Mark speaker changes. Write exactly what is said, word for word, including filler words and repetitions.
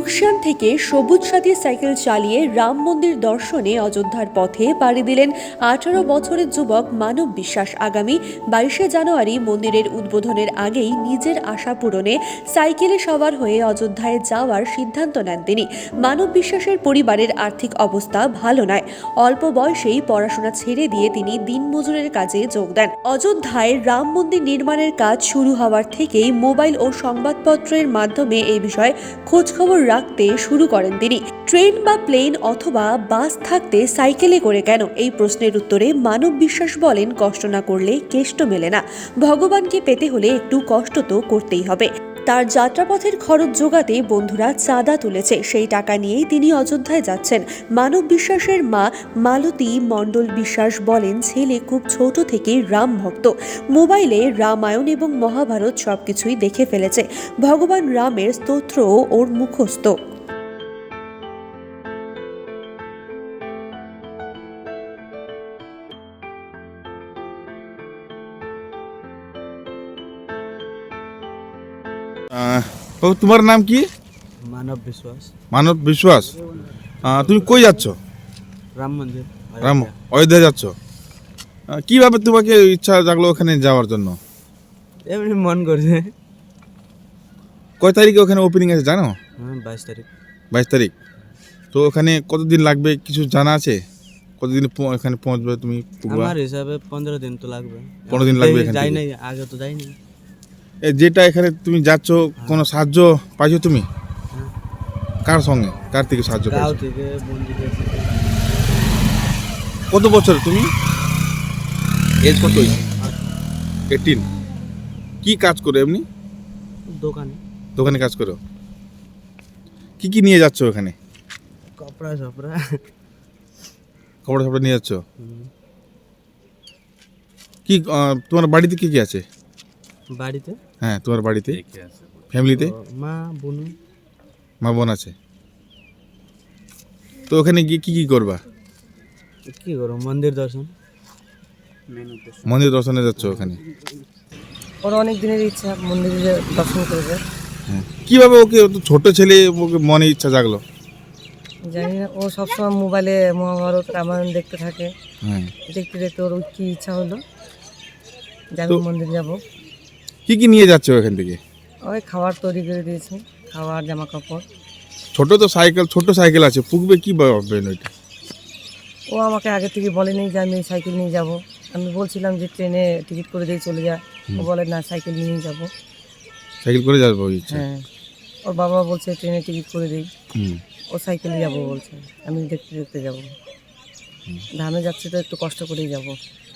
Speaker 1: লুকসান থেকে সবুজ সাথী সাইকেল চালিয়ে রাম মন্দির দর্শনে অযোধ্যার পথে পাড়ি দিলেন আঠারো বছরের যুবক মানব বিশ্বাস। আগামী বাইশে জানুয়ারি মন্দিরের উদ্বোধনের আগেই নিজের আশা পূরণে সাইকেলে সওয়ার হয়ে অযোধ্যায় যাওয়ার সিদ্ধান্ত নেন তিনি। মানব বিশ্বাসের পরিবারের আর্থিক অবস্থা ভালো নয়। অল্প বয়সেই পড়াশোনা ছেড়ে দিয়ে তিনি দিনমজুরের কাজে যোগ দেন। অযোধ্যায় রাম মন্দির নির্মাণের কাজ শুরু হওয়ার থেকেই মোবাইল ও সংবাদপত্রের মাধ্যমে এই বিষয়ে খোঁজখবর রাখতে শুরু করেন তিনি। ট্রেন বা প্লেন অথবা বাস থাকতে সাইকেলে করে কেন? এই প্রশ্নের উত্তরে মানব বিশ্বাস বলেন, কষ্ট না করলে কেষ্ট মেলে না। ভগবানকে পেতে হলে একটু কষ্ট তো করতেই হবে। তার যাত্রাপথের খরচ জোগাতে বন্ধুরা চাঁদা তুলেছে, সেই টাকা নিয়েই তিনি অযোধ্যায় যাচ্ছেন। মানব বিশ্বাসের মা মালতী মণ্ডল বিশ্বাস বলেন, ছেলে খুব ছোট থেকেই রাম ভক্ত। মোবাইলে রামায়ণ এবং মহাভারত সবকিছুই দেখে ফেলেছে। ভগবান রামের স্তোত্রও ওর মুখস্থ।
Speaker 2: বাবু, তোমার নাম কি?
Speaker 3: মানব বিশ্বাস।
Speaker 2: মানব বিশ্বাস। আহ, তুমি কই যাচ্ছ?
Speaker 3: রাম মন্দির।
Speaker 2: রাম অযোধ্যা যাচ্ছ? আহ, কিভাবে তোমাকে ইচ্ছা জাগলো ওখানে যাওয়ার জন্য?
Speaker 3: এমনি মন করছে।
Speaker 2: কয় তারিখে ওখানে ওপেনিং আছে জানো?
Speaker 3: হ্যাঁ, বাইশ তারিখ।
Speaker 2: বাইশ তারিখ। তো ওখানে কতদিন লাগবে কিছু জানা আছে? কতদিন এখানে পৌঁছবে তুমি?
Speaker 3: আমার হিসাবে পনেরো দিন তো লাগবে।
Speaker 2: পনেরো দিন লাগবে এখান
Speaker 3: যাই
Speaker 2: থেকে?
Speaker 3: নাই, আগে তো যাইনি।
Speaker 2: যেটা এখানে তুমি যাচ্ছ, কোনো সাহায্য পাইছো তুমি?
Speaker 3: হ্যাঁ।
Speaker 2: কার সঙ্গে, কার থেকে সাহায্য
Speaker 3: গাঁও
Speaker 2: পাইছো?
Speaker 3: থেকে, বন্ধুদের থেকে।
Speaker 2: কত বছর তুমি? এজ কত? এইটিন। কি কাজ করো এমনি?
Speaker 3: দোকানে।
Speaker 2: দোকানে কাজ করো? কি কি নিয়ে যাচ্ছ ওখানে?
Speaker 3: কপড়া সপড়া।
Speaker 2: কাপড় সাপড় নিয়ে যাচ্ছ? কি আহ, তোমার বাড়িতে কি কি আছে?
Speaker 3: বাড়িতে?
Speaker 2: হ্যাঁ, তোমার বাড়িতে ফ্যামিলিতে
Speaker 3: মা, বোন।
Speaker 2: মা বোন আছে। তো ওখানে গিয়ে কি কি করবা?
Speaker 3: কি করো? মন্দির দর্শন।
Speaker 2: মন্দির দর্শনে যাচ্ছ ওখানে?
Speaker 4: ওর অনেক দিনের ইচ্ছা মন্দিরে দর্শন করেছে।
Speaker 2: হ্যাঁ। কিভাবে ওকে, ও তো ছোট ছেলে, ওকে মনে ইচ্ছা জাগলো?
Speaker 4: জানি না, ও সবসময় মোবাইলে মহাভারত রামায়ণ দেখতে থাকে।
Speaker 2: হ্যাঁ।
Speaker 4: দেখতে দেখতে ওর কি ইচ্ছা হলো যে আমি
Speaker 2: তো-
Speaker 4: মন্দির যাব।
Speaker 2: কি কি নিয়ে যাচ্ছে ওখান থেকে?
Speaker 4: ওই খাবার তৈরি করে দিয়েছি, খাবার, জামা কাপড়।
Speaker 2: ছোট তো সাইকেল, ছোট সাইকেল আছে, পুকবে কি ভাববেন ওইটা?
Speaker 4: ও আমাকে আগে থেকে বলেনি যে আমি সাইকেল নিয়ে যাব। আমি বলছিলাম যে ট্রেনে টিকিট করে দিয়ে চলে যা। ও বলে না, সাইকেল নিয়েই যাব।
Speaker 2: সাইকেল করে যাবো ওই ইচ্ছা?
Speaker 4: হ্যাঁ, ওর বাবা বলছে ট্রেনে টিকিট করে দিই।
Speaker 2: হুম।
Speaker 4: ও সাইকেলে যাব বলছে, আমি দেখতে দেখতে যাব। ধামে যাচ্ছে তো একটু কষ্ট করেই যাব।